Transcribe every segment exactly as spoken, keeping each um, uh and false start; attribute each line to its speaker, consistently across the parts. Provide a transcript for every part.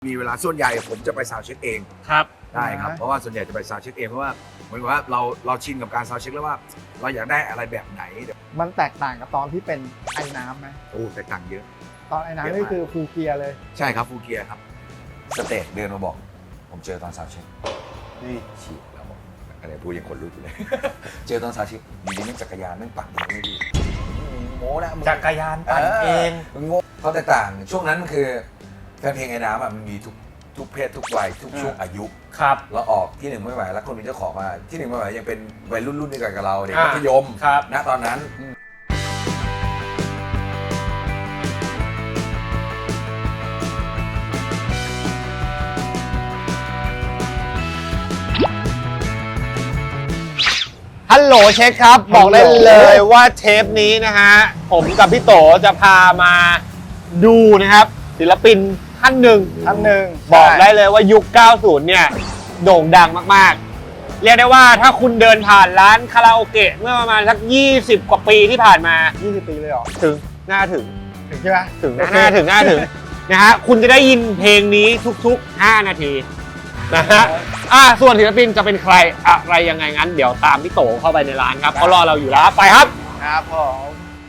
Speaker 1: มีเวลาส่วนใหญ่ผมจะไปซาวด์เช็คเอง
Speaker 2: ครับ
Speaker 1: ได้ครับเพราะว่าส่วนใหญ่จะไปซาวด์เช็คเองเพราะว่าเหมือนกับว่าเราเราชินกับการซาวด์เช็คแล้วว่าเราอยากได้อะไรแบบไหน
Speaker 3: มันแตกต่างกับตอนที่เป็นไอ้น้ำไหม
Speaker 1: โอ้แตกต่างเยอะ
Speaker 3: ตอนไอ้น้ำนี่คือฟูลเกียร์เลย
Speaker 1: ใช่ครับฟูลเกียร์ครับสเตจเดินมาบอกผมเจอตอนซาวด์เช็คนี่ฉีดแล้วบอกอะไรพูดยังคนรู้อยู่เลย เจอตอนซาวด์เช็คอยู่ดีนี่จักรยานนั่งปั่นเองไม่ดีโง่นะ
Speaker 2: จักรยานปั่นเอง
Speaker 1: มันโง่เพราะแตกต่างช่วงนั้นคือแฟนเพลงไอ้น้ำมันมีทุกทุกเพศทุกวัยทุกช่วงอายุ
Speaker 2: ครับ
Speaker 1: เราออกที่หนึ่งไม่ไหวแล้วคนเป็นเจ้าของมาที่หนึ่งไม่ไหวยังเป็นวัยรุ่นรุ่นเดียวกันกับเราเด็กมัธยมณตอนนั้น
Speaker 2: ฮัลโหลเช็คครับบอกได้เลยว่าเทปนี้นะฮะผมกับพี่โตจะพามาดูนะครับศิลปินท่านหนึ่ง
Speaker 3: ท่านหนึ่ง
Speaker 2: บอกได้เลยว่ายุค เก้าสิบ เนี่ยโด่งดังมากๆเรียกได้ว่าถ้าคุณเดินผ่านร้านคาราโอเกะเมื่อประมาณสักยี่สิบกว่าปีที่ผ่านมา
Speaker 3: ยี่สิบปีเลยเหรอ
Speaker 2: ถึงน่าถึง
Speaker 3: ถึงใช่ไหม
Speaker 2: ถึงน่าถึงน่าถึงนะฮะคุณจะได้ยินเพลงนี้ทุกๆห้านาทีนะฮะอ่าส่วนศิลปินจะเป็นใครอะไรยังไงงั้นเดี๋ยวตามพี่โตเข้าไปในร้านครับเขารอเราอยู่แล้วไปครับ
Speaker 3: ครับผม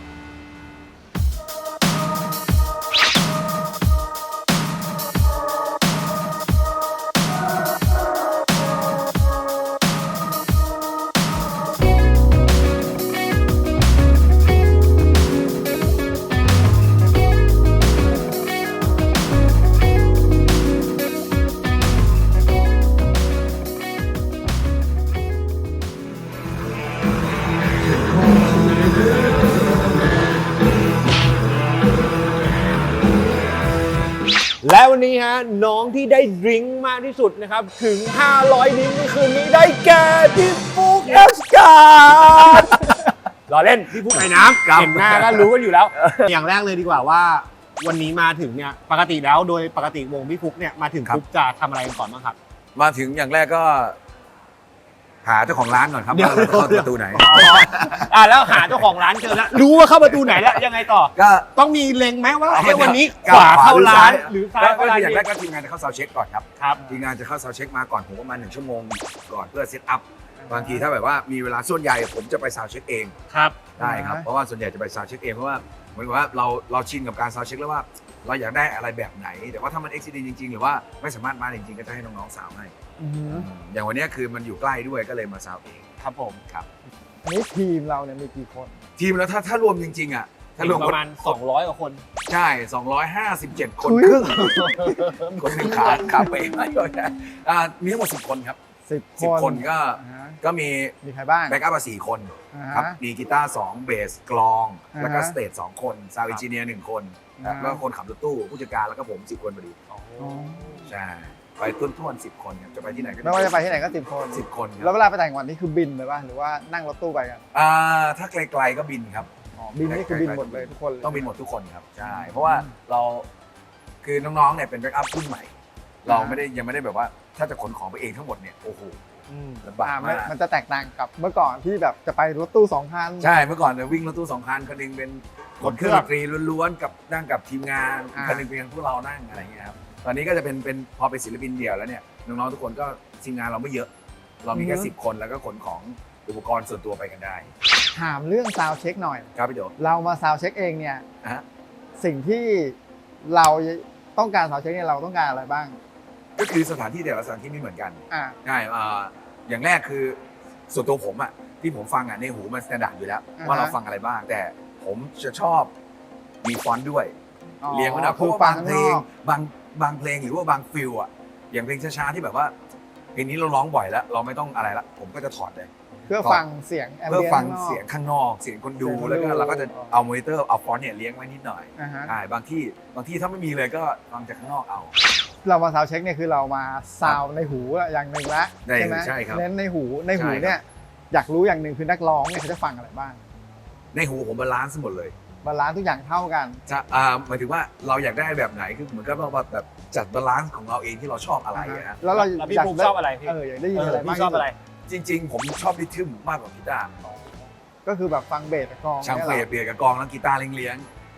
Speaker 2: และวันนี้ฮะน้องที่ได้ดริงก์มากที่สุดนะครับถึงห้าร้อยดริงก์ในคืนนี้ได้แก่พี่ฟุ๊กเอสการ์ดรอเล่นพี่ฟุ๊กไอ้น้ำเห็นหน้าก็รู้กันอยู่แล้วอย่างแรกเลยดีกว่าว่าวันนี้มาถึงเนี่ยปกติแล้วโดยปกติวงพี่ฟุ๊กเนี่ยมาถึงปุ๊บจะทำอะไรกันก่อนบ้างครับ
Speaker 1: มาถึงอย่างแรกก็หาเจ้าของร้านก่อนครับว่าเราจะเข้าประตูไหน
Speaker 2: อ่าแล้วหาเจ้าของร้านเจอแล้วรู้ว่าเข้าประตูไหนแล้วยังไงต่อ
Speaker 1: ก็
Speaker 2: ต้องมีเล็งไหมว่าวันนี้ขวาเข้าร้านหรือซ้ายเข้าร้าน
Speaker 1: อย่างแรกก็ทีมงานจะเข้าซาวด์เช็คก่อนครับ
Speaker 2: ครับ
Speaker 1: ทีมงานจะเข้าซาวด์เช็คมาก่อนผมประมาณหนึ่งชั่วโมงก่อนเพื่อเซตอัพบางทีถ้าแบบว่ามีเวลาส่วนใหญ่ผมจะไปซาวด์เช็คเอง
Speaker 2: ครับ
Speaker 1: ได้ครับเพราะว่าส่วนใหญ่จะไปซาวด์เช็คเองเพราะว่าเหมือนกับว่าเราเราชินกับการซาวด์เช็คแล้วว่าเราอยากได้อะไรแบบไหนแต่ว่าถ้ามันเอ็กซิเดนต์จริงๆหรือว่าไม่สามารถมาจริงๆก็จะให้น้องๆสาวให้อย่างวันนี้คือมันอยู่ใกล้ด้วยก็เลยมาซาวเอง
Speaker 2: ครับผม
Speaker 1: ครับ
Speaker 3: นี่ทีมเราเนี่ยมีกี่คน
Speaker 1: ทีมแล้วถ้าถ้ารวมจริงๆอ่ะถ้ารวม
Speaker 2: ประมาณสองร้อยกว่าคน
Speaker 1: ใช่สองร้อยห้าสิบเจ็ดคนครึ่งคนหนึ่งขาขาเป๋ไม่โดนอ่ามีทั้งหมดสิบคนครับ
Speaker 3: สิบ
Speaker 1: คนก็ก็มี
Speaker 3: มีใครบ้าง
Speaker 1: แบ็กอัพมาสี่คนครับมีกีตาร์สองเบสกลองแล้วก็สเตจสองคนซาวด์เอนจิเนียร์หนึ่งคนแล้วก็คนขับรถตู้ผู้จัดการแล้วก็ผมสิบคนพอดีใช่ไปต้นท้วนสิบคนจะไปที่ไหนก็
Speaker 3: ไม่ว่าจะไปที่ไหนก็สิบคน
Speaker 1: สิบคน
Speaker 3: แล้วเวลาไปต่างจังหวัดนี่คือบินเลยป่ะหรือว่านั่งรถตู้ไปกัน
Speaker 1: อ่าถ้าไกลๆก็บินครับ
Speaker 3: อ๋อบินนี่คือบินหมดเลยทุกคน
Speaker 1: ต้องบินหมดทุกคนครับใช่เพราะว่าเราคือน้องๆเนี่ยเป็นแบ็กอัพรุ่นใหม่เราไม่ได้ยังไม่ได้แบบว่าถ้าจะขนของไปเองทั้งหมดเนี่ยโอ้โหลำบากมาก
Speaker 3: มันจะแตกต่างกับเมื่อก่อนที่แบบจะไปรถตู้สองคัน
Speaker 1: ใช่เมื่อก่อนเนี่ยวิ่งรถตู้สองคันคันนึงเป็นขนเครื่องดนตรีล้วนๆกับนั่งกับทีมงานคันนึงเป็นพวกเรานั่งอะไรอย่างเงี้ยครับตอนนี้ก็จะเป็นเป็นพอเป็นศิลปินเดี่ยวแล้วเนี่ยน้องๆทุกคนก็ทีมงานเราไม่เยอะเรามีแค่สิบคนแล้วก็ขนของอุปกรณ์ส่วนตัวไปกันได้
Speaker 3: ถามเรื่องซาวด์เช็คหน่อย
Speaker 1: ครับพี่โจ
Speaker 3: เรามาซาวด์เช็คเองเนี่ยสิ่งที่เราต้องการซาวด์เช็คเนี่ยเราต้องการอะไรบ้าง
Speaker 1: ก็คือสถานที่แต่ละสถานที่ไม่เหมือนกันใช่อย่างแรกคือส่วนตัวผมอ่ะที่ผมฟังอ่ะในหูมันสแตนดาร์ดอยู่แล้วว่าเราฟังอะไรบ้างแต่ผมจะชอบมีฟอนต์ด้วยเรียงมันนะเพราะว่าบางเพลงบางบางเพลงหรือว่าบางฟิลอ่ะอย่างเพลงช้าๆที่แบบว่าเพลงนี้เราร้องบ่อยแล้วเราไม่ต้องอะไรละผมก็จะถอดเลย
Speaker 3: เพื่อฟังเสียง
Speaker 1: เพื่อฟังเสียงข้างนอกเสียงคนดูแล้วก็เราก็จะเอามอนิเตอร์เอาฟอนต์เนี่ยเลี้ยงไว้นิดหน่อยใช่บางที่บางที่ถ้าไม่มีเลยก็ฟังจากข้างนอกเอา
Speaker 3: เรามาซาวด์เช็คเนี่ยคือเรามาซาวในหูอย่างหนึ่งละ
Speaker 1: ใช่ไหมเ
Speaker 3: น้นในหูในหูเนี่ยอยากรู้อย่างหนึ่งคือนักร้องเนี่ยเขาจะฟังอะไรบ้าง
Speaker 1: ในหูผมบาลานซ์หมดเลย
Speaker 3: บาลานซ์ทุกอย่างเท่ากัน
Speaker 1: จะอ่าหมายถึงว่าเราอยากได้แบบไหนคือเหมือนกับว่าแบบจัดบาลานซ์ของเราเองที่เราชอบอะไรนะ
Speaker 3: แล้วเรา
Speaker 2: พี่ภูมิชอบอะไร
Speaker 3: เอออยากได้ยินอะไร
Speaker 2: พี่ชอบอะไร
Speaker 1: จริงๆผมชอบริทึมมากกว่ากีตาร์
Speaker 3: ก็คือแบบฟังเบสกับกลอง
Speaker 1: ช่างเบสเบสกับกลองแล้วกีตาร์เลี้ยง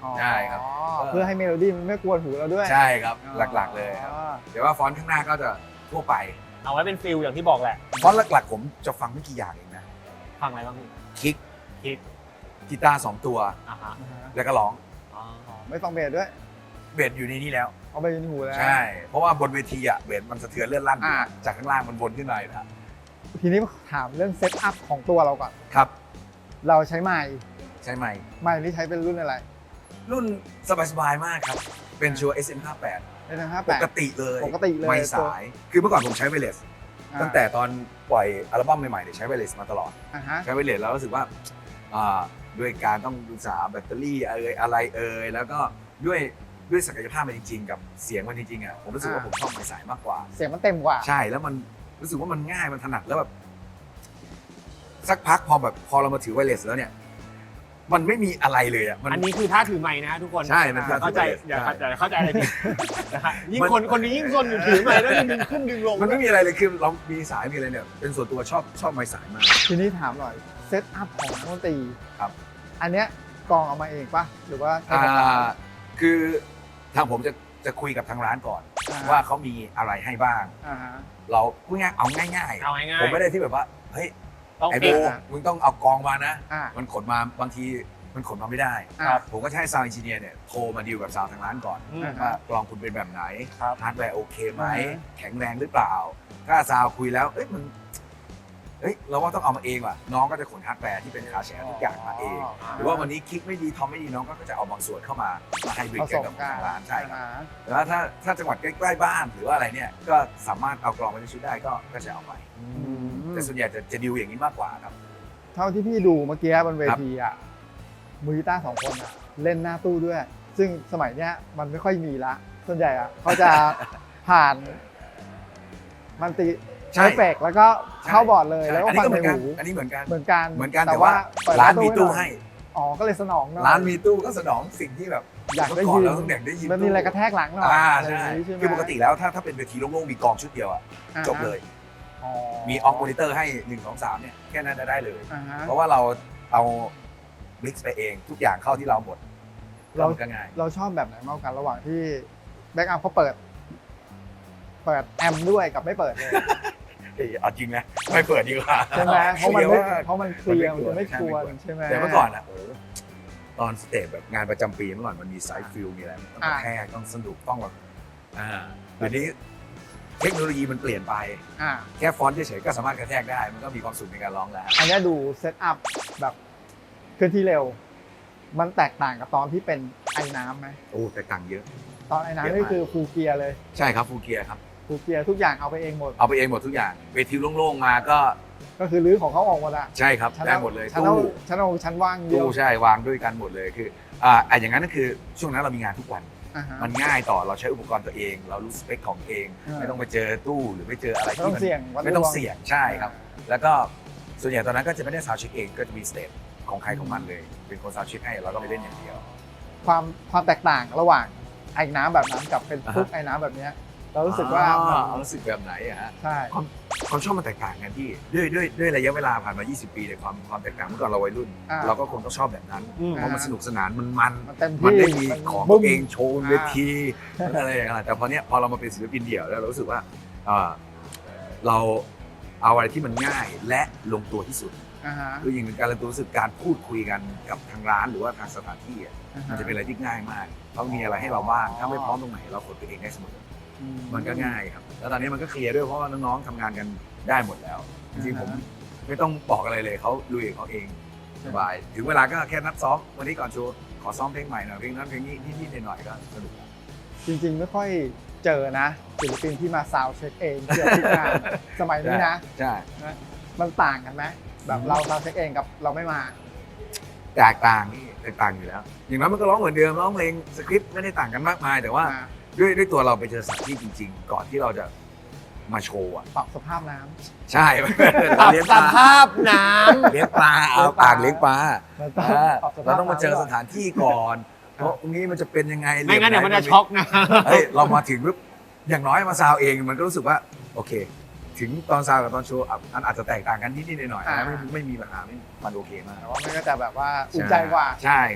Speaker 1: ใช่ครับ
Speaker 3: เพื่อให้เมโลดี้มันไม่กวนหูเราด้วย
Speaker 1: ใช่ครับหลักๆเลยครับ
Speaker 3: อ๋อ
Speaker 1: เดี๋ยวว่าฟอนต์ข้างหน้าก็จะทั่วไป
Speaker 2: เอาไว้เป็นฟิลอย่างที่บอกแหละ
Speaker 1: ฟอนต์หลักๆผมจะฟังไม่กี่อย่างเองนะ
Speaker 2: ฟังอะไรบ้างพี่
Speaker 1: คิก
Speaker 2: คิด
Speaker 1: กีตาร์สองตัว
Speaker 2: อ่าฮะ
Speaker 1: แล้วก็ร้อง
Speaker 2: อ๋อ
Speaker 3: ไม่ฟังเบสด้วย
Speaker 1: เบสอยู่ในนี้แล้ว
Speaker 3: เอาไปยินหูแล้ว
Speaker 1: ใช่ เพราะว่าบนเวทีอ่ะเบสมันสะเทือนเลื่อนลั่นอยู่
Speaker 3: อ่า
Speaker 1: จากข้างล่างมันวนขึ้นมาอยู่นะ
Speaker 3: ทีนี้ถามเรื่องเซตอัพของตัวเราก่อน
Speaker 1: ครับ
Speaker 3: เราใช้ไมค์
Speaker 1: ใช่ไหม
Speaker 3: ไมค์นี่ใช้เป็นรุ่นอะไร
Speaker 1: รุ่นสบายๆมากครับ เป็นชัวร์ เอส เอ็ม ห้าสิบแปด
Speaker 3: ในทางห้า
Speaker 1: ป
Speaker 3: แปด
Speaker 1: กติเลย
Speaker 3: ปกติเลย
Speaker 1: ไม่สาย คือเมื่อก่อนผมใช้ไวเลส
Speaker 3: อ่า
Speaker 1: ตั้งแต่ตอนปล่อยอัลบั้มใหม่ๆเนี่ยใช้ไวเลสมาตลอด
Speaker 3: อ่าฮะ
Speaker 1: ใช้ไวเลสแล้วรู้สึกว่าอ่าด้วยการต้องดูสาแบตเตอรี่เอ่ยอะไรเอ่ยแล้วก็ด้วยด้วยศักยภาพมันจริงๆ กับเสียงมันจริงๆอ่ะผมรู้สึกว่าผมชอบไม้สายมากกว่า
Speaker 3: เสียงมันเต็มกว่า
Speaker 1: ใช่แล้วมันรู้สึกว่ามันง่ายมันถนัดแล้วแบบสักพักพอแบบพอเรามาถือไวเลสแล้วเนี่ย มันไม่มีอะไรเลยอ่ะมัน
Speaker 2: อันนี้คือท่าถือไม้นะทุกคน
Speaker 1: ใช่มัน
Speaker 2: อย่าเข้าใจ
Speaker 1: ท่าถือไมค์
Speaker 2: อย่า
Speaker 1: ใช่
Speaker 2: อย่าเข้าใจอะไรผิดนะฮะยิ่ง
Speaker 1: มัน
Speaker 2: คนคนนี้ยิ่งซนอยู่ถือไม้แล้วดึงขึ้นดึงลง
Speaker 1: มันไม่มีอะไรเลยคือเรามีสายมีอะไรเนี่ยเป็นส่วนตัวชอบชอบไม้สายมาก
Speaker 3: ทีนี้ถามหน่อยเซตอัพของนักดนตรี
Speaker 1: ครับ
Speaker 3: อันเนี้ยกองเอามาเองปะหรือว่าใช้
Speaker 1: อ่
Speaker 3: กับเรา
Speaker 1: าคือทางผมจะจะคุยกับทางร้านก่อน
Speaker 3: อ่า
Speaker 1: ว่าเขามีอะไรให้บ้าง
Speaker 3: อ่าฮะ
Speaker 1: เราพูดง่ายเอาง่าย
Speaker 2: เอาง่ายๆ
Speaker 1: ผมไม่ได้ที่แบบว่าเฮ้ย
Speaker 2: ต้อง
Speaker 1: ไอ้
Speaker 2: ฟิ
Speaker 1: โบ
Speaker 2: ก
Speaker 3: อ่ะ
Speaker 1: มึงต้องเอากองมานะ
Speaker 3: อ่า
Speaker 1: มันขนมาบางทีมันขนมาไม่ได้
Speaker 3: ครับ
Speaker 1: ผมก็จะให้ซาวด์เอนจิเนียร์เนี่ยโทรมาดีลกับซาวด์ทางร้านก่อน
Speaker 2: อืม
Speaker 1: ว่ากลองคุณเป็นแบบไหน
Speaker 2: ครับ
Speaker 1: ฮาร์ดแวร์โอเคไหม
Speaker 3: อ่าฮะ
Speaker 1: แข็งแรงหรือเปล่า ถ้าซาวด์คุยแล้วเอ้ยมันเอ้ยเราว่าต้องเอามาเองว่ะน้องก็จะขนฮาร์ดแวร์ที่เป็นคาแชร์ทุกอย่างมาเอง หรือว่าวันนี้คลิกไม่ดีทอมไม่ดีน้องก็จะเอาบางส่วนเข้ามามาให้บริ
Speaker 3: ผ
Speaker 1: ก
Speaker 3: ส
Speaker 1: กัน
Speaker 3: ม
Speaker 1: กับ
Speaker 3: กัน
Speaker 1: ทางร้านใช่ครับ
Speaker 3: อ่าฮะ
Speaker 1: แล้วถ้าถ้าจังหวัดใกล้ๆบ้านหรือว่าอะไรเนี่ยก็สามารถเอากลองไปในชุดได้ก็ก็จะเอาไป
Speaker 3: อืม
Speaker 1: แต่ส่วนใหญ่จะจะดิวอย่างนี้มากกว่าครับ
Speaker 3: เท่าที่พี่ดูเมื่อกี้บนเวทีอ่ะมือกีตาร์สองคนอ่ะเล่นหน้าตู้ด้วย ซึ่งสมัยเนี้ยมันไม่ค่อยมีละ ส่วนใหญ่อ่ะเขาจะ ผ่านมันติ
Speaker 1: ใช่
Speaker 3: เอฟเฟกต์แล้วก็เข้าบอร์ดเลย
Speaker 1: ใช่
Speaker 3: แล้วก็
Speaker 1: อันนี้
Speaker 3: ฟัง
Speaker 1: ก็เห
Speaker 3: ใน
Speaker 1: มือนกัน
Speaker 3: หู
Speaker 1: อันนี้เหมือนกัน
Speaker 3: เหมือนกัน
Speaker 1: เหมือนกันแต่ว่า
Speaker 3: เปิด
Speaker 1: ร้าน
Speaker 3: ประ
Speaker 1: มีตู้
Speaker 3: น่อย
Speaker 1: ให้
Speaker 3: อ๋อก็เลยสนองหน่อย
Speaker 1: ร้านมีตู้ก็สนองสิ่งที่แบบ
Speaker 3: อยากได้
Speaker 1: เมื่อก่อน
Speaker 3: ยิน
Speaker 1: เราต้องอยากได้ยิน
Speaker 3: มันมีอะไรกระแทกหลังหน่อย
Speaker 1: อ่า
Speaker 3: อะไรอ
Speaker 1: ใช่
Speaker 3: ย่างนี้ใช่ไหม
Speaker 1: คือปกติแล้วถ้าถ้าเป็นเวทีโล่งๆมีกองชุดเดียวอะ
Speaker 3: อ่าฮะ
Speaker 1: จบเลย
Speaker 3: อ๋อ
Speaker 1: มีออกมอนิเตอร์ให้หนึ่งสองสามเนี่ยแค่นั้นจะได้เลย
Speaker 3: อ่าฮะ
Speaker 1: เพราะว่าเราเอามิกซ์ไปเองทุกอย่างเข้าที่เราหมด
Speaker 3: เรา
Speaker 1: มันก็ง่าย
Speaker 3: เราชอบแบบไหนมากกว่ากันระหว่างที่แบ็กอัพเขาเปิด เปิดแอมป์ด้วยกับไม่เปิดเลย
Speaker 1: เอ้ยเอาจริงนะไม่เปิดดีกว่า
Speaker 3: ใช่ไหมเพราะมันไม่
Speaker 1: คลียร์
Speaker 3: เพราะมันเคลียร์
Speaker 1: มั
Speaker 3: มัน น
Speaker 1: ไม่
Speaker 3: จะ
Speaker 1: กลัว
Speaker 3: ไม่ควรใช่ไหม
Speaker 1: แต่เมื่อก่อนอ่ะโอ้ตอนสเตจแบบงานประจำปีเมื่อก่อนมันมีไซส์ฟิลมีอะไรต้องกระแทกต้องสนุกต้องแบบอ่าเดี๋ยวนี้เทคโนโลยีมันเปลี่ยนไป
Speaker 3: อ่า
Speaker 1: แค่ฟอนต์เฉยๆก็สามารถกระแทกได้ มันก็มีความสุขในการร้องแล้ว
Speaker 3: อันเนี้ยดูเซตอัพแบบเคลื่อนที่เร็ว มันแตกต่างกับตอนที่เป็นไอ้น้ำไหม
Speaker 1: โอ้แต่ต่างเยอะ
Speaker 3: ตอนไอ้
Speaker 1: เย
Speaker 3: น้ำ
Speaker 1: อะ
Speaker 3: นี่
Speaker 1: มาก
Speaker 3: คือฟูลเกียร์เลย
Speaker 1: ใช่ครับฟูเกียร์ครับ
Speaker 3: ฟูลเกียร์ทุกอย่างเอาไปเองหมด
Speaker 1: เอาไปเองหมดทุกอย่างเวทีโล่งๆมาก็
Speaker 3: ก็คือรื้อของเขาออกหมดอะ
Speaker 1: ใช่ครับ
Speaker 3: ชั้น
Speaker 1: ได้
Speaker 3: อา
Speaker 1: หมดเลย
Speaker 3: ชั้นเอา
Speaker 1: ตู้
Speaker 3: ชั้นเอาชั้นว่างเดีย
Speaker 1: ตู้
Speaker 3: ว
Speaker 1: ใช่วางด้วยกันหมดเลยคืออ่าอ่ะอย่างนั้นก็คือช่วงนั้นเรามีงานทุกวัน
Speaker 3: อ่าฮะ
Speaker 1: มันง่ายต่อเราใช้อุปกรณ์ตัวเอง เรารู้สเปคของเอง
Speaker 3: อ่า
Speaker 1: ไม่ต้องไปเจอตู้หรือไปเจออะไร
Speaker 3: ไม่ต้
Speaker 1: ที่
Speaker 3: อง
Speaker 1: มัน
Speaker 3: เสี่ยงวัด
Speaker 1: ไม่ต้อง
Speaker 3: ดว
Speaker 1: เสี่ยงใช่ครับ แล้วก็ส่วนใหญ่ตอนนั้นก็จะไม่ได้ซาวด์เช็คเองก็จะมีสเตจของใครของมันเลย เป็นคนซาวด์เช็คให้เราก็ไปเล่นอย่างเดียว
Speaker 3: ความความแตกต่างระหว่างไอ้น้ำแบบนั้นกับเป็น
Speaker 1: อ่าฮะ
Speaker 3: ฟุกไอ้น้ำแบบเนี้ยเรารู้สึกว่า
Speaker 1: อ๋
Speaker 3: มัน
Speaker 1: อรู้สึกแบบไหนอะฮะ
Speaker 3: ใช่
Speaker 1: ความความชอบมันแตกต่างกันที่ด้วยด้วยด้วยระยะเวลาผ่านมา ยี่สิบ ปีเนี่ยความความแตกต่างเมื่อก่อนเราวัยรุ่น
Speaker 3: อ่า
Speaker 1: เราก็คงต้องชอบแบบนั้น
Speaker 2: อืม
Speaker 1: เพราะมันสนุกสนานมันมัน
Speaker 3: มันเต็ม
Speaker 1: มัน
Speaker 3: ที่
Speaker 1: ได้มี
Speaker 3: มัน
Speaker 1: ของ
Speaker 3: บึ้
Speaker 1: ตัว
Speaker 3: ม
Speaker 1: เองโชว์บนเว
Speaker 3: อ่า
Speaker 1: ทีมันอะไรอย่างเงี้ยแต่พอเนี้ยพอเรามาเป็นศิลปินเดี่ยวแล้วเรารู้สึกว่าเอ่อเราเอาอะไรที่มันง่ายและลงตัวที่สุด
Speaker 3: อ่าฮะ
Speaker 1: คืออย่างหนึ่งการลงตัวรู้สึกการพูดคุยกันกับทางร้านหรือว่าทางสถานที่อะ
Speaker 3: อ่าฮ
Speaker 1: มันจะเป็นอะไรที่ง่ายมากเขามีอะไรให้เราบ้างถ้าไม่พร้อมตรงไหนเรากดไปเองได้เสมอ
Speaker 3: อื
Speaker 1: มันก็ง่ายครับ แล้วตอนนี้มันก็เคลียร์ด้วยเพราะว่าน้องๆทำงานกันได้หมดแล้ว จริงๆผมไม่ต้องบอกอะไรเลยเขาลุยของเขาเองสบาย ถึงเวลาก็แค่นัดซ้อมวันนี้ก่อนโชว์ขอซ้อมเพลงใหม่หน่อยเพลงนั้นเพลงนี้นิดๆหน่อยๆก็สนุกแล้ว
Speaker 3: จริงๆ ไม่ค่อยเจอนะศิลปินที่มาซาวด์เช็คเองเกี่ยวกับงาน สมัยนี้นะ
Speaker 1: ใช่
Speaker 3: มันต่างกันไหมแบบเราซาวด์เช็คเองกับเราไม่มา
Speaker 1: แตกต่างนี่แตกต่างอยู่แล้ว อย่างนั้นมันก็ร้องเหมือนเดิมร้องเพลงสคริปต์ไม่ได้ต่างกันมากมาย แต่ว่า
Speaker 3: อ่า
Speaker 1: ด้วยด้วยตัวเราไปเจอสถานที่จริง ๆ ก่อนที่เราจะมาโชว์อ่ะ
Speaker 3: ปรับสภาพน้ำ
Speaker 1: ใช่
Speaker 2: ปรับ
Speaker 1: เลี้ยง
Speaker 2: ส
Speaker 1: ปลา
Speaker 2: ภาพน้
Speaker 1: เลี้ยงปลาเอาปากเลี้ยงปลา
Speaker 3: มันต้อง
Speaker 1: อ่า
Speaker 3: ปรับสภาพ
Speaker 1: เราต้องมาเจอส
Speaker 3: น้ำก่น
Speaker 1: ถานที่ก่อนเพราะตรงนี้มันจะเป็นยังไง
Speaker 2: ำไม่งั้นเดี๋ยวมันจะช็อกนะ
Speaker 1: เฮ้ยเรามาถึงปุ๊บอย่างน้อยมาซาวเองมันก็รู้สึกว่าโอเค ถึงตอนซาวกับตอนโชว์อ่ะมันอาจจะแตกต่างกันนิดๆหน่อยๆนะไม่ไม่มีปัญหาไม่มันโอเคมาก
Speaker 3: แต่ว่ามันก็จะแบบว่าอุ่นใจกว่า
Speaker 1: ใช่ครับ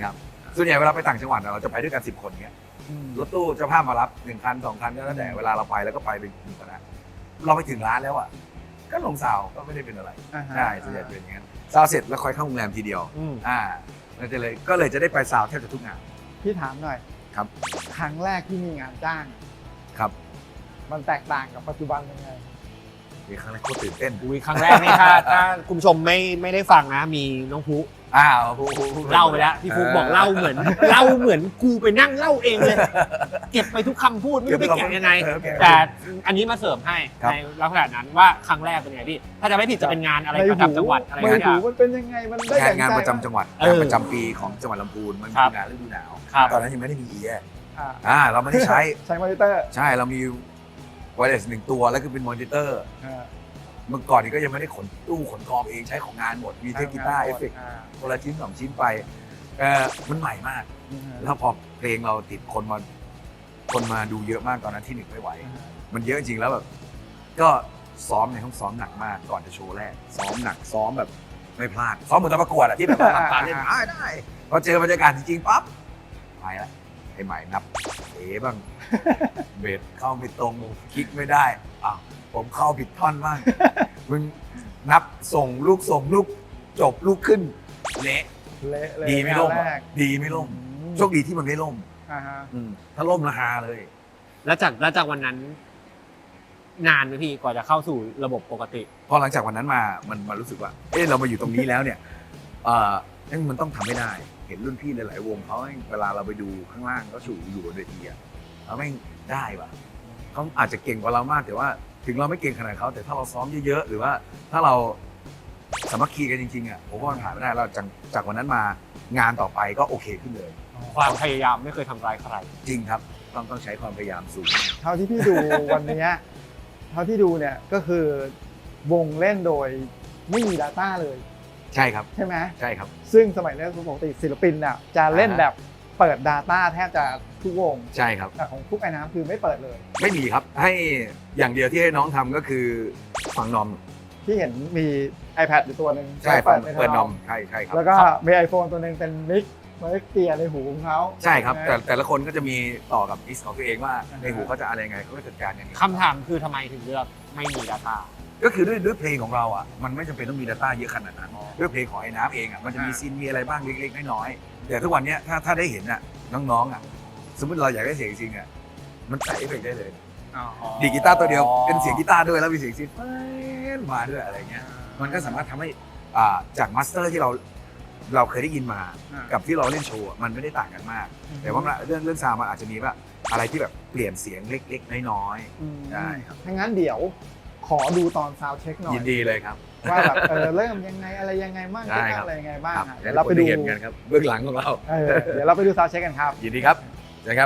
Speaker 1: ส่วนใหญ่เวลาไปต่างจังหวัดเราจะไปด้วยกันสิบคนเงี้ยรถตู้เจ้าภาพมารับหนึ่งคันสองคันก็แล้วแต่เวลาเราไปแล้วก็ไปเป็นกลุ่มคณะเราไปถึงร้านแล้วอ่ะก็ลงซาวก็ไม่ได้เป็นอะไรใช่ส่วนใหญ่เป็นอย่างนั้นซาวเสร็จแล้วค่อยเข้าโรงแรมทีเดียวอ่าแล้วจะเลยก็เลยจะได้ไปซาวแทบจะทุกงาน
Speaker 3: พี่ถามหน่อย
Speaker 1: ครับ
Speaker 3: ครั้งแรกที่มีงานจ้าง
Speaker 1: ครับ
Speaker 3: มันแตกต่างกับปัจจุบันยังไง
Speaker 1: มีครั้งแรกโคตรตื่นเต้น
Speaker 2: อุ้ยครั้งแรกนี่ถ้าถ้าคุณผู้ชมไม่ไม่ได้ฟังนะมีน้องพุ
Speaker 1: อ้าว
Speaker 2: เล่าไปแล้วพี่ฟุกบอกเล่าเหมือนเล่าเหมือนกูไปนั่งเล่าเองเลย เก็บไปทุกคำพูดไม่รู้ไปแกะยังไง แต่อันนี้มาเสริมให้ในลักษณะนั้นว่าครั้งแรกเป็นไงพี่ถ้าจะไม่ผิดจะเป็นงานอะไรประจำจังหวัดอะไร
Speaker 3: ไม่
Speaker 2: สักอ
Speaker 3: ถู
Speaker 2: ย่าง
Speaker 3: มันเป็นยังไงมันได้
Speaker 1: งาน
Speaker 3: ดั่
Speaker 1: งาน
Speaker 3: ใจ
Speaker 1: ประจำจังหวัด
Speaker 2: เออ
Speaker 1: งานประจำปีของจังหวัดลำพูนมัน
Speaker 2: ครั
Speaker 1: มี
Speaker 2: บ
Speaker 1: งานฤดูหนาว
Speaker 2: ครับ
Speaker 1: ตอนนั้นยังไม่ได้มีเอีย
Speaker 3: อ่า
Speaker 1: อ่าเราไม่ได้ใช้
Speaker 3: ใช้มอนิเตอร์
Speaker 1: ใช่เรามีไวเลสหนึ่งตัวแล้วก็เป็นมอนิเตอร์
Speaker 3: อ่า
Speaker 1: เมื่อก่อนนี้ก็ยังไม่ได้ขนตู้ขนกองเองใช้ของงานหมดมีเทคกีตาร์เอฟเฟกต์
Speaker 3: อ่า
Speaker 1: คนละชิ้นสองชิ้นไปเออมันใหม่มาก แล้วพอเพลงเราติดคนมาคนมาดูเยอะมากตอนนั้นที่หนึ่งไม่ไหว มันเยอะจริงแล้วแบบก็ซ้อมในห้องซ้อมหนักมากก่อนจะโชว์แรกซ้อมหนักซ้อมแบบไม่พลาดซ้อมเหมือนตอนประกวดอะที่แบบว่าปาเล่นได้ได้พอเจอบรรยากาศจริงๆปั๊บไปละไอ้ใหม่นับเอ๋บ้างเบสเข้าไม่ตรงคลิกไม่ได้อ้าวผมเข้าผิดท่อนบ้างมึงนับส่งลูกส่งลูกจบลูกขึ้นเละ
Speaker 3: เละเลย
Speaker 1: ดีไม่ล่ม
Speaker 3: งาน
Speaker 1: อะ
Speaker 3: แรก
Speaker 1: ดีไม่ล่มโชคดีที่มันไม่ล่ม
Speaker 3: อ่าฮะ
Speaker 1: อืมถ้าล่มราคาเลย
Speaker 2: แล้วจากแล้วจากวันนั้นนานไหมพี่กว่าจะเข้าสู่ระบบปกติ
Speaker 1: พอหลังจากวันนั้นมามันมารู้สึกว่า เออเรามาอยู่ตรงนี้แล้วเนี่ยเออนั่นมันต้องทำให้ได้ เห็นรุ่นพี่หลายๆวงเขาเวลาเราไปดูข้างล่างก็สู่อยู่บนเวทีอะเขาไม่งได้ว่ะเขาอาจจะเก่งกว่าเรามากแต่ว่าถึงเราไม่เก่งขนาดเขาแต่ถ้าเราซ้อมเยอะๆหรือว่าถ้าเราสามัคคีกันจริงๆอ่ะผมว่ามันผ่านไม่ได้เราจากจากวันนั้นมางานต่อไปก็โอเคขึ้นเลย
Speaker 2: ความพยายามไม่เคยทำร้ายใคร
Speaker 1: จริงครับต้องต้องใช้ความพยายามสูง
Speaker 3: เท่าที่พี่ดูวันเนี้ยเท่าที่ดูเนี่ยก็คือวงเล่นโดยไม่มี Data เลย
Speaker 1: ใช่ครับ
Speaker 3: ใช่ไหม
Speaker 1: ใช่ครับ
Speaker 3: ซึ่งสมัยนี้ปกติศิลปินน่ะจะเล่นแบบเปิด Data แทบจะทุกวง
Speaker 1: ใช่ครับ
Speaker 3: แต่ของทุกไอ้น้ำคือไม่เปิดเลย
Speaker 1: ไม่มีครับให้อย่างเดียวที่ให้น้องทำก็คือฟังนอม
Speaker 3: ที่เห็นมี iPad อยู่ตัวหนึ่ง
Speaker 1: ใช่ฟัง
Speaker 3: ใน
Speaker 1: เปิดนอม
Speaker 3: ท
Speaker 1: ใช่ใช่ครับ
Speaker 3: แล้วก็มี iPhone ตัวหนึ่งเป็นมิกมิกเกียร์ในหูของเขา
Speaker 1: ใช่ครับ แต่
Speaker 3: นะ
Speaker 1: แต่ละคนก็จะมีต่อกับอิสของตัวเองว่า
Speaker 3: อ่าฮะ
Speaker 1: ในหูเขาจะอะไรยังไงเขาก็จัดการอย่างนี้
Speaker 2: คำถามคือทำไมถึงเลือกไม่มี Data
Speaker 1: ก็คือด้วยด้วยเพลงของเราอ่ะมันไม่จำเป็นต้องมี Data เยอะขนาดนั้นด้วยเพลงของไอ้น้ำเองอ่ะมันจะมีซีนมีอะไรบ้างเล็กๆน้อยๆแต่ทุกวันเนี้ยถ้าถ้าได้เห็นอ่ะน้องๆอ่ะสมมติเราอยากได้เสียงจริงๆอ่ะมันใส่เอฟเฟกต์ได้เลยดีดกีตาร์ตัวเดียวเป็นเสียงกีตาร์ด้วยแล้วมีเสียงซีนมาด้วยอะไรเงี้ยมันก็สามารถทำให้อ่าจากมาสเตอร์ที่เราเราเคยได้ยินมา
Speaker 3: อ่า
Speaker 1: กับที่เราเล่นโชว์อะมันไม่ได้ต่างกันมาก แต่ว่าเรื่องเรื่องซาวด์มันอาจจะมีว่าอะไรที่แบบเปลี่ยนเสียงเล็กๆน้อย
Speaker 3: อืม
Speaker 1: ได้ครับ
Speaker 3: ถ้างั้นเดี๋ยวขอดูตอนซาวเช็คหน่อ
Speaker 1: ๆ
Speaker 3: ย
Speaker 1: ยินดีเลยครับ
Speaker 3: ว่าแบบเออเริ่มยังไงอะไรยังไงบ้าง
Speaker 1: ได้
Speaker 3: เช็ค
Speaker 1: ครับ
Speaker 3: อะไรยังไงบ้าง
Speaker 1: ครับ
Speaker 3: อ่ะ
Speaker 1: เดี๋
Speaker 3: เดี๋
Speaker 1: ย
Speaker 3: ยว ว
Speaker 1: เรา
Speaker 3: เรา
Speaker 1: ไป
Speaker 3: ไป
Speaker 1: ดู
Speaker 3: ดู
Speaker 1: เห็นกันครับเบื้องหลังของเรา
Speaker 3: เออเดี๋ยวเราไปดูซาวเช็คกันครับ
Speaker 1: ยินดีครับนะครับ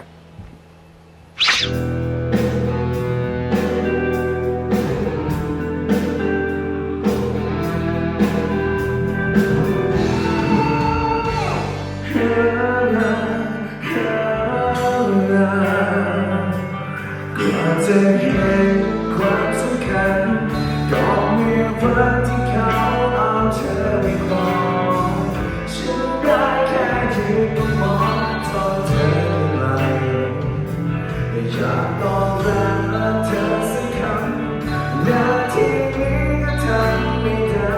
Speaker 4: ก็จะเห็นความสำคัญก็มีวันที่เขาเอาเธอไปครองฉันได้แค่ยืนมองตอนเธอไหลอยากต้องรับเธอสักคำนาทีนี้ก็ทำไม่ได้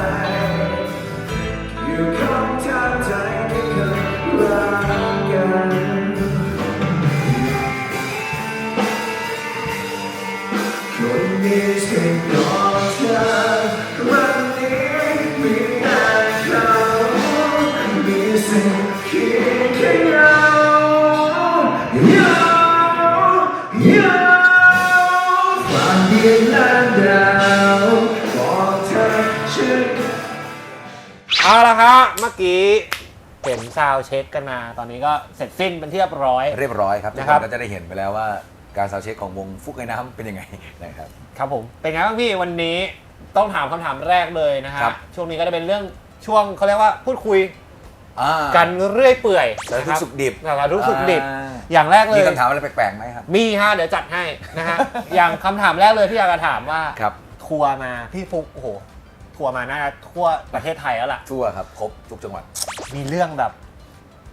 Speaker 4: อยู่ข้างทางใจที่เคยรักกันคนนี้ใช่ก่อนเธอวันนี้มีแต่เขามีสิ่งคิดแค่เงาเงาเงาฝันเดียวและดาวบอกเธอฉัน
Speaker 2: เอาละครับเมื่อกี้เห็นซาวด์เช็คกันมาตอนนี้ก็เสร็จสิ้นเป็นที่เรียบร้อย
Speaker 1: เรียบร้อยครับทุก
Speaker 2: นะ
Speaker 1: ค
Speaker 2: ครับ
Speaker 1: นก็จะได้เห็นไปแล้วว่าการซาวด์เช็คของวงฟุกไอ้น้ำเป็นยังไงนะครับ
Speaker 2: ครับผมเป็นไงบ้างพี่วันนี้ต้องถามคำถามแรกเลยนะฮะ
Speaker 1: ครับ
Speaker 2: ช่วงนี้ก็จะเป็นเรื่องช่วงเขาเรียกว่าพูดคุย
Speaker 1: อ่า
Speaker 2: กันเรื่อยเปื่อย
Speaker 1: สารทุกข์สุขดิบ
Speaker 2: สารทุกข์สุขดิบ
Speaker 1: อ่า
Speaker 2: อย่างแรกเลย
Speaker 1: มีคำถามอะไรแปลกๆไหมครับ
Speaker 2: มีฮะเดี๋ยวจัดให้นะฮะ อย่างคำถามแรกเลยที่อยากจะถามว่า
Speaker 1: ครับ
Speaker 2: ทัวร์มาพี่ฟุกโอ้โหทัวร์มาน่าจะทั่วประเทศไทยแล้วล่ะ
Speaker 1: ทั่วครับครบทุกจังหวัด
Speaker 2: มีเรื่องแบบ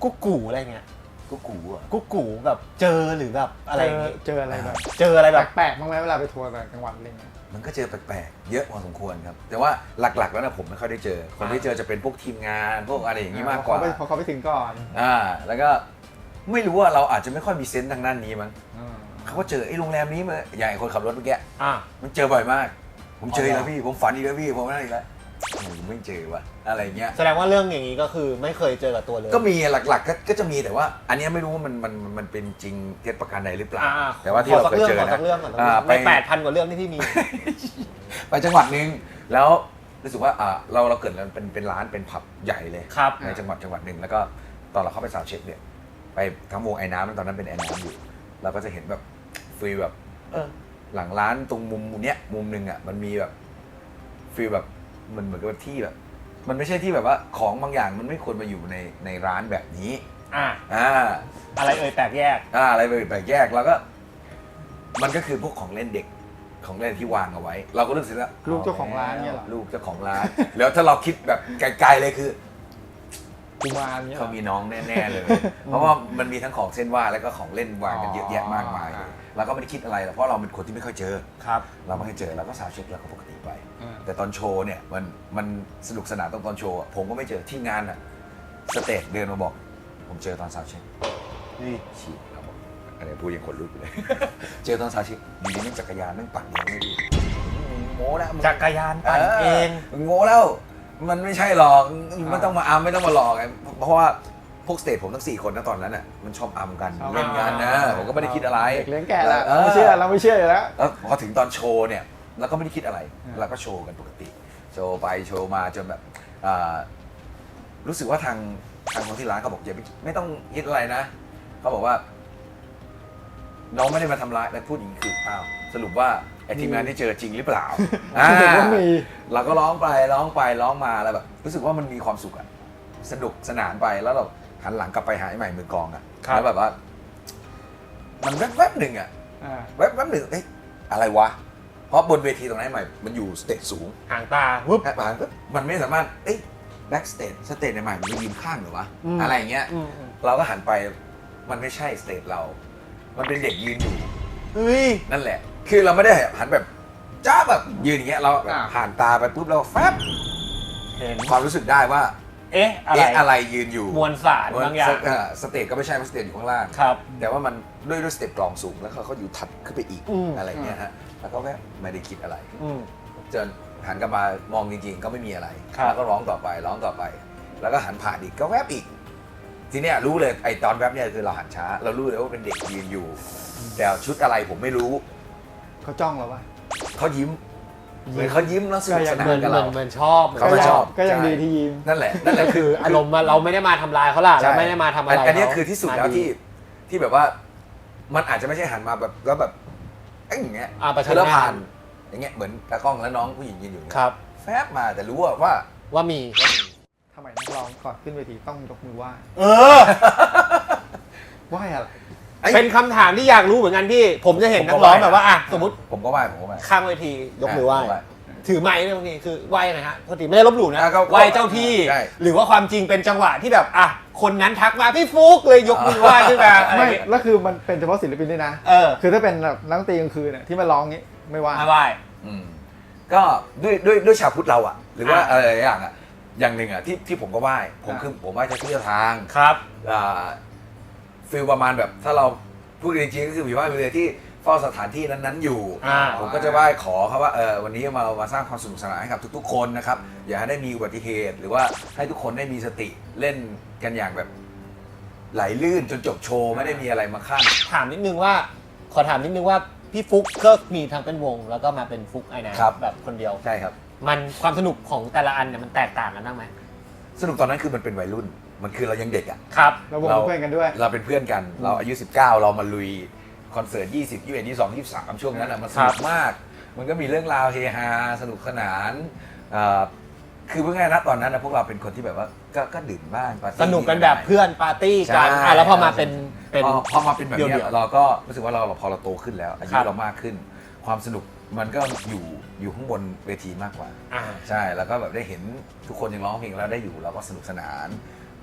Speaker 2: กุ๊กกูอะไรเงี้ย
Speaker 1: ก็กูอ่ะ
Speaker 2: กุ๊กกูแบบเจอหรือแบบอะไร
Speaker 3: เจ
Speaker 2: อย่าง
Speaker 3: อ
Speaker 2: งี้
Speaker 3: เจออะไรแบบ
Speaker 2: เจออะไรแบบ
Speaker 3: แปลกๆบ้างไหมเวลาไปทัวร์ต่างจังหวัดอะไรเงี้ย
Speaker 1: มันก็เจอแปลกๆเยอะพอสมควรครับ แต่ว่าหลักๆแล้วนะผมไม่ค่อยได้เจอ คนที่เจอจะเป็นพวกทีมงานพวกอะไรอย่างนี้มากกว่า
Speaker 3: เพราะเขาไปถึงก่อน
Speaker 1: อ่าแล้วก็ไม่รู้ว่าเราอาจจะไม่ค่อยมีเซนส์ทางด้านนี้มั้ง
Speaker 3: อืม
Speaker 1: เขาก็เจอไอ้โรงแรมนี้มาอย่างไอ้คนขับรถเมื่อกี้
Speaker 2: อ่ะ
Speaker 1: มันเจอบ่อยมาก ผมเจออีก
Speaker 2: อ๋อ
Speaker 1: แล้วพี่ผมฝันอีกแล้วพี่ผมนั่นอีกแล้วผมไม่เจอว่ะอะไรเงี้ย
Speaker 2: แสดงว่าเรื่องอย่างนี้ก็คือไม่เคยเจอกับตัวเลย
Speaker 1: ก็มีหลักๆก็ก็จะมีแต่ว่า อันเนี้ยไม่รู้ว่ามันมันมันเป็นจริงเท็จประการใดหรือเปล่า
Speaker 2: อ่า
Speaker 1: แต่ว่าที่เราเคยเจอ
Speaker 2: ข
Speaker 1: นะ
Speaker 2: สักเรื่องขอสักเรื่อง
Speaker 1: อ่า
Speaker 2: ก่อน
Speaker 1: ไป
Speaker 2: ในแปดพันกว่าเรื่องที่พี่มี
Speaker 1: ไปจังหวัดหนึ่งแล้วรู้สึกว่าอ่าเราเราเกิดเป็นเป็นร้านเป็นผับใหญ่เลย
Speaker 2: ครับ
Speaker 1: ในจังหวัดจังหวัดหนึ่งแล้วก็ตอนเราเข้าไปซาวด์เช็คเนี่ยไปทั้งวงไอ้น้ำตอนนั้นเป็นไอ้น้ำอยู่เราก็จะเห็นแบบฟีลแบบเออหลังร้านตรงมุมเนี้ยมุมหนึ่งอ่ะมันมีแบบฟีลแบบมันเหมือนกับที่แบบ มันไม่ใช่ที่แบบว่าของบางอย่างมันไม่ควรมาอยู่ในในร้านแบบนี้
Speaker 2: อ่ะ
Speaker 1: อ่า
Speaker 2: อะไรเอ่ยแตกแยก
Speaker 1: อ่าอะไรไปแปลกแยกแล้วก็ มันก็คือพวกของเล่นเด็กของเล่นที่วางเอาไว้ เราก็รู้สึกว่า
Speaker 3: ลูกเจ้าของร้านเนี่ยเหรอ
Speaker 1: ลูกเจ้าของร้าน แล้วถ้าเราคิดแบบไกลๆเลยคือ
Speaker 3: กุมารเนี่ยหร
Speaker 1: เขา
Speaker 3: อ
Speaker 1: มีน้องแน่ๆเลย เพราะว่ามันมีทั้งของเส้นไหว้แล้วก็ของเล่นวางกันเยอะแยะมากมายเลยเราก็ไม่ได้คิดอะไรหรอกเพราะเราเป็นคนที่ไม่ค่อยเจอ
Speaker 2: ครับ
Speaker 1: เราไม่เคยเจอเราก็สาวเช็คแล้วก็ปกติไป
Speaker 3: อืม
Speaker 1: แต่ตอนโชว์เนี่ยมันมันสนุกสนานตรงตอนโชว์อะผมก็ไม่เจอทีมงานอะสเตจเดินมาบอก ผมเจอตอนสาวเช็ค
Speaker 2: นี่
Speaker 1: ฉีดเราบอกอันนี้พูดยังขนลุกอยู่เลย เจอตอนสาวเช็คอยู่ดีนั่งจักรยานนั่งปั่นเองไม่ดีมึงโง่แล้วมึง
Speaker 2: จักรยานปั่นเอง
Speaker 1: มึงโง่แล้วมันไม่ใช่หรอกไม่ต้องมาอัมไม่ต้องมาหลอกไงเพราะว่าพวกสเตจผมทั้งสี่คนนะตอนนั้นอ่ะมันชอบอัมกัน
Speaker 3: ชอบ
Speaker 1: เล่นกันนะผมก็ไม่ได้คิดอะไร
Speaker 3: เด็กเลี้ยงแก่ละ
Speaker 1: เออ
Speaker 3: เราไม่เชื่อเราไม่เชื่ออยู่แล้ว
Speaker 1: แล้วพอถึงตอนโชว์เนี่ยเราก็ไม่ได้คิดอะไร
Speaker 3: อืม
Speaker 1: เราก็โชว์กันปกติ โชว์ไปโชว์มาจนแบบอ่ารู้สึกว่าทางทางคนที่ร้านเขาบอกอย่าไม่ไม่ต้องคิดอะไรนะเขาบอกว่า น้องไม่ได้มาทำร้ายแล้วพูดอย่างนี้คืออ้าวสรุปว่าไอ้ทีมงานที่เจอจริงหรือเปล่าอ่า
Speaker 3: สรุปว่ามี
Speaker 1: เราก็ร้องไปร้องไปร้องมาแล้วแบบรู้สึกว่ามันมีความสุขอะสนุกสนานไปแล้วเราหันหลังกลับไปหาไอ้ใหม่มือกลองอะ
Speaker 2: ครับ
Speaker 1: แล้วแบบว่า มันแวบๆหนึ่งอะ
Speaker 3: อ่า
Speaker 1: แวบๆหนึ่งเอ้ยอะไรวะ เพราะบนเวทีตรงนั้นไอ้ใหม่มันอยู่สเตจสูง
Speaker 2: ห่างตาวุ๊บ
Speaker 1: แค่ผ่านปุ๊บมันไม่สามารถเอ้ยแบ็กสเตจสเตจใหม่มันไปยืนข้างหรือวะ
Speaker 2: อืม
Speaker 1: อะไรอย่างเงี้ย
Speaker 2: อืมอืม
Speaker 1: เราก็หันไปมันไม่ใช่สเตจเรา มันเป็นเด็กยืนอยู่
Speaker 2: เฮ้ย
Speaker 1: นั่นแหละ คือเราไม่ได้หันแบบจ้าแบบยืนอย่างเงี้ยเราแบบ
Speaker 3: อ่า
Speaker 1: ผ่านตาไปปุ๊บเราแฟบ
Speaker 2: เห็น
Speaker 1: ความรู้สึกได้ว่า
Speaker 2: เอ๊ะ อะไร
Speaker 1: เอ๊ะอะไรยืนอยู่
Speaker 2: มวลสารบางอย่าง
Speaker 1: เสเตจก็ไม่ใช่เพราะสเตจอยู่ข้างล่าง
Speaker 2: ครับ
Speaker 1: แต่ว่ามันด้วยด้วยสเตจกลองสูงแล้วเขาเขาอยู่ถัดขึ้นไปอีก
Speaker 2: อืม
Speaker 1: อะไรเงี้ยฮะแล้วก็แค่ไม่ได้คิดอะไร
Speaker 2: อืม
Speaker 1: จนหันกลับมามองจริงๆ ก็ไม่มีอะไร
Speaker 2: ครับ
Speaker 1: แล้วก็ร้องต่อไปร้องต่อไป แล้วก็หันผ่านอีกก็แวบอีก ทีเนี้ยรู้เลยไอตอนแวบเนี่ยคือเราหันช้า เรารู้เลยว่าเป็นเด็กยืนอยู่ แต่ชุดอะไรผมไม่รู้
Speaker 3: เขาจ้องเราปะ
Speaker 1: เขายิ้มเหมือนเขายิ้มแล้วสนุกสนา
Speaker 2: เหมือน น
Speaker 1: กับ
Speaker 2: เหมือ
Speaker 1: เรา
Speaker 2: นเหมือนชอบ
Speaker 1: เขาก็ชอบ
Speaker 3: ก็ยัง
Speaker 1: ใช่
Speaker 3: ดีที่ยิ้ม
Speaker 1: นั่นแหละนั่นแหละ
Speaker 2: ก็
Speaker 1: คื
Speaker 2: คือ ออารมณ์ว่าเราไม่ได้มาทำลายเขาล่ะเราไม่ได้มาทำอะไร
Speaker 1: อันนี้
Speaker 2: เขา
Speaker 1: คือที่สุดแล้ว
Speaker 2: มา
Speaker 1: ที่ที่แบบว่า มันอาจจะไม่ใช่หันมาแบบแล้วแบบเอ้ยอย่างเงี้ย
Speaker 2: อ่าประชัน
Speaker 1: คือแล้ว
Speaker 2: หน้า
Speaker 1: ผ่านอย่างเงี้ยเหมือนตากล้องแล้วน้องผู้หญิงยืนอยู่เนี่ย
Speaker 2: ครับ
Speaker 1: แฟบมาแต่รู้ว่าว่า
Speaker 2: ว่ามี
Speaker 3: ทำไมนักร้องก่อนขึ้นเวทีต้องยกมือไหว้
Speaker 2: เออ
Speaker 3: ไหว้อะไร
Speaker 1: ไอ้
Speaker 2: เป็นคำถามที่อยากรู้เหมือนกันพี่ ผมจะเห็นนักร้องแบบว่าอ่ะสมมติ
Speaker 1: ผมก็ไหว้ผมก็ไหว้
Speaker 2: ข้างเวทียกมือไหว้
Speaker 1: ไหว้
Speaker 2: ถือไม้เนี่ยบางทีคือไหว้ยังไงฮะปกติไม่ได้ลบหลู่นะ
Speaker 1: อ่ะก็
Speaker 2: ไหว้เจ้าที่
Speaker 1: ใช่
Speaker 2: หรือว่าความจริงเป็นจังหวะที่แบบอ่ะคนนั้นทักมาพี่ฟุกเลยยกมือไหว้ขึ้นมาอะไร
Speaker 3: ไม่
Speaker 2: เงี้ย
Speaker 3: แล้วคือมันเป็นเฉพาะศิลปินด้วยนะ
Speaker 2: เออ
Speaker 3: คือถ้าเป็นแบบนักดนตรีกลางคืนเนี่ยที่มาร้องงี้ไม่ว่า
Speaker 2: ไม่ไหว้
Speaker 1: อืมก็ด้วยด้วยด้วยชาวพุทธเราอะหรือว่า
Speaker 2: อ่ะ
Speaker 1: อะไรหลายอย่างอะอย่างหนึ่งอะที่ที่ผมก็ไหว้ผม
Speaker 3: อ่ะ
Speaker 1: คือผมไหว้เจ้าที่เจ้าทาง
Speaker 2: ครับ
Speaker 1: อ่าฟีลประมาณแบบถ้าเราพูดกันจริงๆก็คือมีไหว้ไปเลยที่เฝ้าสถานที่นั้นๆอยู่
Speaker 2: อ่า
Speaker 1: ผมก็จะไหว้ขอครับว่าเออวันนี้มามาสร้างความสนุกสนานให้กับทุกๆคนนะครับอย่าให้ได้มีอุบัติเหตุ หรือว่าให้ทุกคนได้มีสติเล่นกันอย่างแบบไหลลื่นจนจบโชว์ไม่ได้มีอะไรมาขั้น
Speaker 2: ถามนิดนึงว่า ขอถามนิดนึงว่าพี่ฟุกก็มีทั้งเป็นวง แล้วก็มาเป็นฟุกไอ้นะครับ แบบคนเดียว
Speaker 1: ใช่ครับ
Speaker 2: มันความสนุกของแต่ละอันเนี่ยมันแตกต่างกันบ้างไหม
Speaker 1: สนุกตอนนั้นคือมันเป็นวัยรุ่น มันคือเรายังเด็กอะ
Speaker 2: ครับ
Speaker 3: เราวงเป็นเพื่อนกันด้วย
Speaker 1: เราเป็นเพื่อนกัน เราอายุ สิบเก้า เรามาลุยคอนเสิร์ต ยี่สิบ ยี่สิบเอ็ด ยี่สิบสอง ยี่สิบสาม ช่วงนั้นอะมันสนุกมาก มันก็มีเรื่องราวเฮฮา สนุกสนานเอ่อคือเพื่อนนะตอนนั้นนะพวกเราเป็นคนที่แบบว่าก็ก็ดื่มบ้างปาร์ตี้
Speaker 2: สนุกกันแบบเพื่อนปาร์ตี้กัน
Speaker 1: ใช่
Speaker 2: อ่ะแล้วพอมาเป็นเป็น
Speaker 1: พอพอมาเป็นแบบ
Speaker 2: เดี่
Speaker 1: เนี้
Speaker 2: ย
Speaker 1: ยว เราก็รู้สึกว่าเราพอเราโตขึ้นแล้ว อายุ
Speaker 2: ครับ
Speaker 1: เรามากขึ้น ความสนุกมันก็อยู่อยู่ข้างบนเวทีมากกว่า
Speaker 2: อ่า
Speaker 1: ใช่ แล้วก็แบบได้เห็นทุกคนยังร้องเพลงแล้วได้อยู่เราก็สนุกสนาน
Speaker 2: แ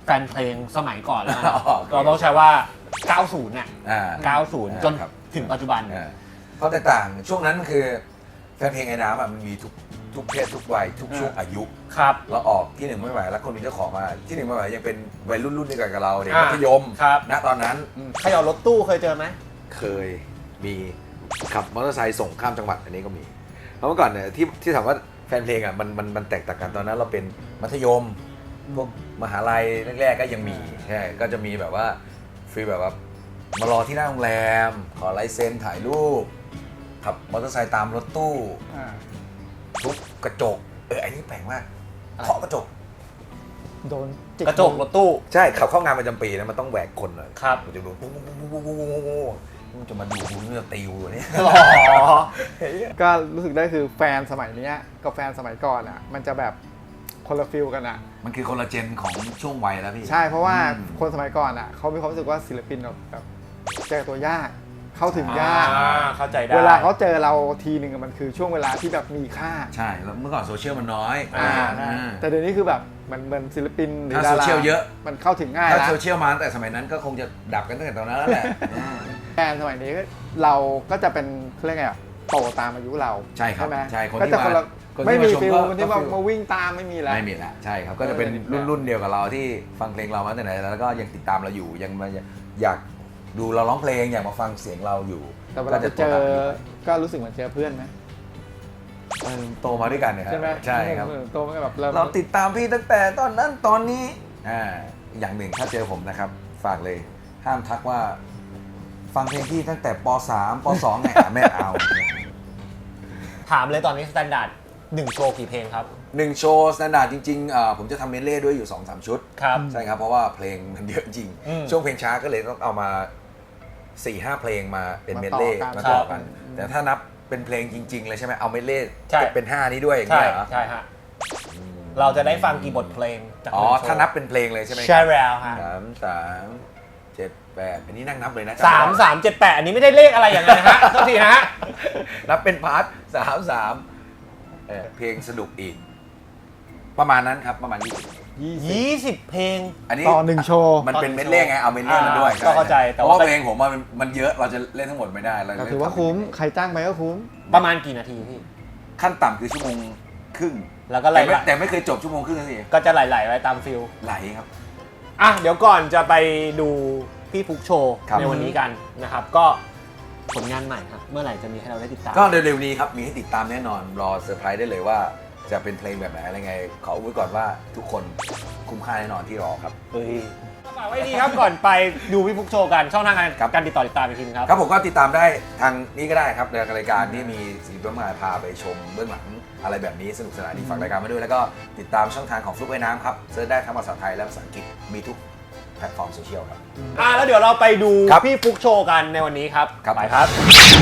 Speaker 2: นเพลงสมัยก่อนแล้วกัน
Speaker 1: อ๋อ
Speaker 2: เราต้องใช้ว่า เก้าสิบ น่ะ
Speaker 1: อ่า
Speaker 2: เก้าสิบ จน
Speaker 1: ครับ
Speaker 2: ถึงปัจจุบัน
Speaker 1: อ่าเพราะแตกต่างช่วงนั้นคือแฟนเพลงไอ้น้ำอ่ะมันมีทุกทุกเพศทุกวัยทุกช่วงอายุ
Speaker 2: ครับ
Speaker 1: แล้วออกที่หนึ่งไม่ไหวแล้วคนมีเจ้าของมาที่หนึ่งไม่ไหวยังเป็นวัยรุ่นรุ่นเดียวกันกับเราเด็ก
Speaker 2: อ่า
Speaker 1: มัธยม
Speaker 2: ครับ
Speaker 1: ณตอนนั้น
Speaker 2: เขย่ารถตู้เคยเจอไหม
Speaker 1: เคยมีขับมอเตอร์ไซค์ส่งข้ามจังหวัดอันนี้ก็มีเพราะเมื่อก่อนเนี่ยที่ที่ถามว่าแฟนเพลงอ่ะมันมันมันแตกต่างกันตอนนั้นเราเป็นมัธยมพวกมหาลัยแรกๆก็ยังมีใช่ก็จะมีแบบว่าฟีลแบบว่ามารอที่หน้าโรงแรมขอลายเซ็นถ่ายรูปขับมอเตอร์ไซค์ตามรถตู้
Speaker 3: อ่า
Speaker 1: ทุบกระจกเอออันนี้แปลกมากเคาะกระจก
Speaker 3: โดนจิ
Speaker 2: กระจกรถตู้
Speaker 1: ใช่ขับเข้างานประจำปีนะมันต้องแหวกคนหน่อย
Speaker 2: ครับ
Speaker 1: มันจะดูปุ๊บปุ๊บปุ๊บปุ๊บปุ๊บปุ๊บปุ๊บมันจะมาดูกูมันจะตีกูเนี่ย
Speaker 2: อ๋อ
Speaker 3: ก็รู้สึกได้คือแฟนสมัยเนี้ยกับแฟนสมัยก่อนอ่ะ มันจะแบบคนละฟิลกันอ่ะ
Speaker 1: มันคือคนละเจนของช่วงวัยแล้วพี่
Speaker 3: ใช่เพราะว่า
Speaker 1: อืม
Speaker 3: คนสมัยก่อนอ่ะเขามีความรู้สึกว่าศิลปินแบบแบบเจอตัวยาก เข้าถึงยาก
Speaker 2: อ่าเข้าใจได้
Speaker 3: เวลาเขาเจอเราทีหนึ่งอะมันคือช่วงเวลาที่แบบมีค่า
Speaker 1: ใช่แล้วเมื่อก่อนโซเชียลมันน้อย
Speaker 3: อ่า
Speaker 1: อ่า
Speaker 3: แต่เดี๋ยวนี้คือแบบมันเหมือนศิลปินหรือ
Speaker 1: ถ้า
Speaker 3: ดา
Speaker 1: โซ
Speaker 3: รา
Speaker 1: เชียลเยอะ
Speaker 3: มันเข้าถึงง่าย
Speaker 1: ถ้า
Speaker 3: แล้ว
Speaker 1: โซเชียลมาตั้งแต่สมัยนั้นก็คงจะดับกันตั้งแต่ตอนนั้นแล้วแหละ
Speaker 3: แฟนสมัยนี้เราก็จะเป็นเขาเรียกไงอะโตตามอายุเรา
Speaker 1: ใช่ครับ
Speaker 3: ไหม
Speaker 1: ใช่คน
Speaker 3: ก็
Speaker 1: ที่
Speaker 3: จะคนละ
Speaker 1: มาคนที่
Speaker 3: ไม่มี
Speaker 1: มาชม
Speaker 3: ฟิล
Speaker 1: ก็
Speaker 3: คนที่
Speaker 1: ก็
Speaker 3: มา
Speaker 1: ฟิล
Speaker 3: มาวิ่งตามไม่มีแล้ว
Speaker 1: ไม่มีละใช่ครับก็จะเป็น
Speaker 3: เออ
Speaker 1: รุ่นรุ่นเดียวกับเราที่ฟังเพลงเรามาตั้งแต่ไหนแล้วก็ยังติดตามเราอยู่ยังมาอยากดูเราร้องเพลงอยากมาฟังเสียงเราอยู่
Speaker 3: แต่เวลาจะเจอก็รู้สึกเหมือนเจอเพื่อนไหม
Speaker 1: เออโตมาด้วยกันเนี่ยครับ
Speaker 3: ใช่ไหม
Speaker 1: ใช่ครับ
Speaker 3: เออโตมาแบบเรา
Speaker 1: เราติดตามพี่ตั้งแต่ตอนนั้นตอนนี้อ่าอย่างหนึ่งถ้าเจอผมนะครับ ฝากเลยห้ามทักว่า ฟังเพลงพี่ตั้งแต่ป สาม ป สองไงอ่ะไม่เอา
Speaker 2: ถามเลยตอนนี้สแตนดาร์ดหนึ่งโชว์กี่เพลงครับ
Speaker 1: หนึ่งโชว์สแตนดาร์ดจริงๆอ่าผมจะทำเมดเล่ด้วยอยู่ สองสาม ชุด
Speaker 2: ครับ
Speaker 1: ใช่ครับ เพราะว่าเพลงมันเยอะจริง
Speaker 2: อืม
Speaker 1: ช่วงเพลงช้าก็เลยต้องเอามา สี่ห้า เพลงมาเป็นเมดเล่
Speaker 3: มา
Speaker 1: มา
Speaker 3: ต่
Speaker 1: ต่
Speaker 3: อ
Speaker 1: อ
Speaker 3: กั
Speaker 1: กัน น แต่ถ้านับเป็นเพลงจริง ๆ เลยใช่ไหมเอาเมดเล่
Speaker 2: ใช่
Speaker 1: เป็นห้านี้ด้วยอย่าง
Speaker 2: ใช่
Speaker 1: เงี้ยเหรอ
Speaker 2: ใช่ฮะเราจะได้ฟังกี่บทเพลงจาก
Speaker 1: อ๋อ
Speaker 2: หงโชว์
Speaker 1: ถ้านับเป็นเพลงเลยใช่ไหม
Speaker 2: ใช่แล้วฮะ
Speaker 1: สามสามเจ็ดแปดอันนี้นั่งนับเลยนะ
Speaker 2: สามสามเจ็ดแปดอันนี้ไม่ได้เลขอะไรอย่างนั้นนะฮะโทษทีนะฮะ
Speaker 1: นับเป็นพาร์ทสามสามเออเพลงสนุกอีก ประมาณนั้นครับประมาณยี่สิบ
Speaker 3: ยี่สิบ
Speaker 2: ยี่สิบเพลง
Speaker 1: อันนี้
Speaker 3: ต่อหนึ่งโชว์
Speaker 1: มันเป็นเมดเล่ไงเอาเมดเล่มาด้วย
Speaker 2: อ่าก็เข้าใจแต่
Speaker 1: เพ
Speaker 2: ว่า
Speaker 1: ราะว่าเพลงผมมันมันเยอะเราจะเล่นทั้งหมดไม่ได้เรา
Speaker 3: แต่
Speaker 1: เล่น
Speaker 3: ถือว่าคุ้มใครจ้างไปก็คุ้ม
Speaker 2: ประมาณกี่นาทีพี่
Speaker 1: ขั้นต่ำคือชั่วโมงครึ่ง
Speaker 2: แล้วก็ไหล
Speaker 1: แต่ไม่แต่ไม่เคยจบชั่วโมงครึ่งสิ
Speaker 2: ก็จะไหลๆไว้ตามฟิล
Speaker 1: ไหลครับ
Speaker 2: อ่ะเดี๋ยวก่อนจะไปดูพี่ฟุกโชว์
Speaker 1: ครับ
Speaker 2: ในวันนี้กันนะครับ ก็ผลงานใหม่ครับเมื่อไหร่จะมีให้เราได้ติดตาม
Speaker 1: ก็เร็วๆนี้ครับมีให้ติดตามแน่นอนรอเซอร์ไพรส์ได้เลยว่าจะเป็นเพลงแบบไหนอะไรไง ขออุบไว้ก่อนว่าทุกคนคุ้มค่าแน่นอนที่รอครับ
Speaker 2: เฮ้ยฝากไว้ดีครับก่อนไปดูพี่ฟุกโชว์กันช่องทางการ
Speaker 1: ครับ
Speaker 2: การติดต่อติดตามอีกทีนึงครับ
Speaker 1: ครับผมก็ติดตามได้ทางนี้ก็ได้ครับในรายการที่มีสีเบื้องมาพาไปชมเบื้องหลังอะไรแบบนี้สนุกสนานดีฝากรายการมาด้วยแล้วก็ติดตามช่องทางของฟลุ๊กไอ้น้ำครับเซิร์ชได้ทั้งภาษาไทยและภาษาอังกฤษมีทุกแพลตฟอร์มโซเชียลครับ
Speaker 2: อ่ะแล้วเดี๋ยวเราไปดู
Speaker 1: ครับ
Speaker 2: พี่ฟุกโชว์กันในวันนี้ครับ
Speaker 1: ครับ
Speaker 2: ไปครับ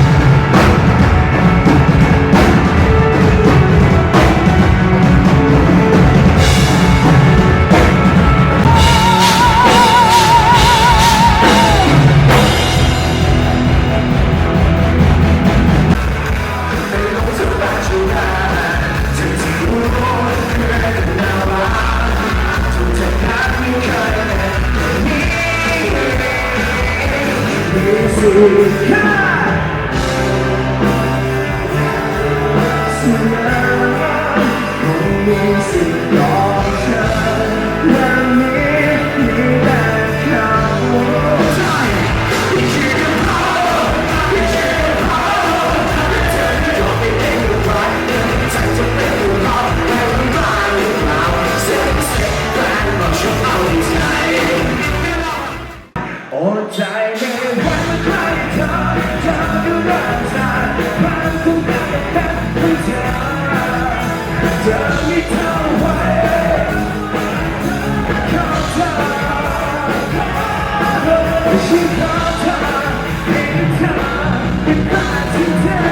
Speaker 4: โอ้ใจในวันเมื่อใครเธอเธอก็รักษาความคุ้มค่ากับแค่ของเธอเธอไม่เท่าไหร่ขอเธอฉันขอเธอให้เธอเป็นบ้านที่เธอ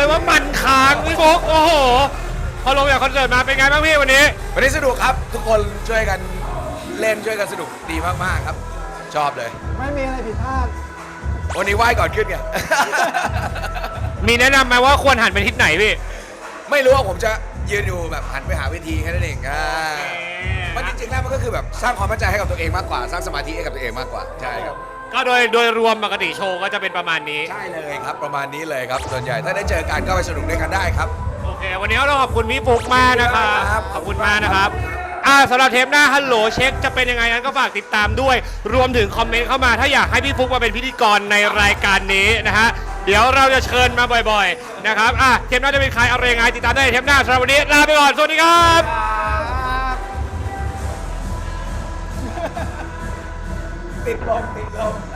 Speaker 2: เลยว่ามันค้างพี่ฟุกโอ้โหพอลงจากคอนเสิร์ตมาเป็นไงบ้างพี่วันนี้
Speaker 1: วันนี้สนุกครับ ทุกคนช่วยกันเล่นช่วยกันสนุกดีมากๆครับ ชอบเลย
Speaker 3: ไม่มีอะไรผิดพลาด
Speaker 1: วันนี้ไหว้ก่อนขึ้นไง
Speaker 2: มีแนะนำไหมว่าควรหันไปทิศไหนพี่
Speaker 1: ไม่รู้ว่าผมจะยืนอยู่แบบหันไปหาเวทีแค่นั้นเองอ่ามันจริงๆแล้วมันก็คือแบบสร้างความมั่นใจให้กับตัวเองมากกว่า สร้างสมาธิให้กับตัวเองมากกว่าใช่ครับ
Speaker 2: ก็โดยโดยรวมปกติโชว์ก็จะเป็นประมาณนี้
Speaker 1: ใช่เลยครับประมาณนี้เลยครับส่วนใหญ่ถ้าได้เจอกันก็ไปสนุกด้วยกันได้ครับ
Speaker 2: โอเค วันนี้เราขอบคุณพี่ฟุกมากนะครับ
Speaker 1: ครับ
Speaker 2: ขอบคุณมากนะครับอ่าสำหรับเทปหน้าฮัลโหลเช็คจะเป็นยังไงนั้นก็ฝากติดตามด้วย รวมถึงคอมเมนต์เข้ามาถ้าอยากให้พี่ฟุกมาเป็นพิธีกรในรายการนี้นะฮะเดี๋ยวเราจะเชิญมาบ่อยๆนะครับอ่ะเทปหน้าจะเป็นใครอะไรยังไงติดตามได้ในเทปหน้าสำหรับวันนี้ลาไปก่อนสวัสดีครับ
Speaker 1: ติดลมติดลม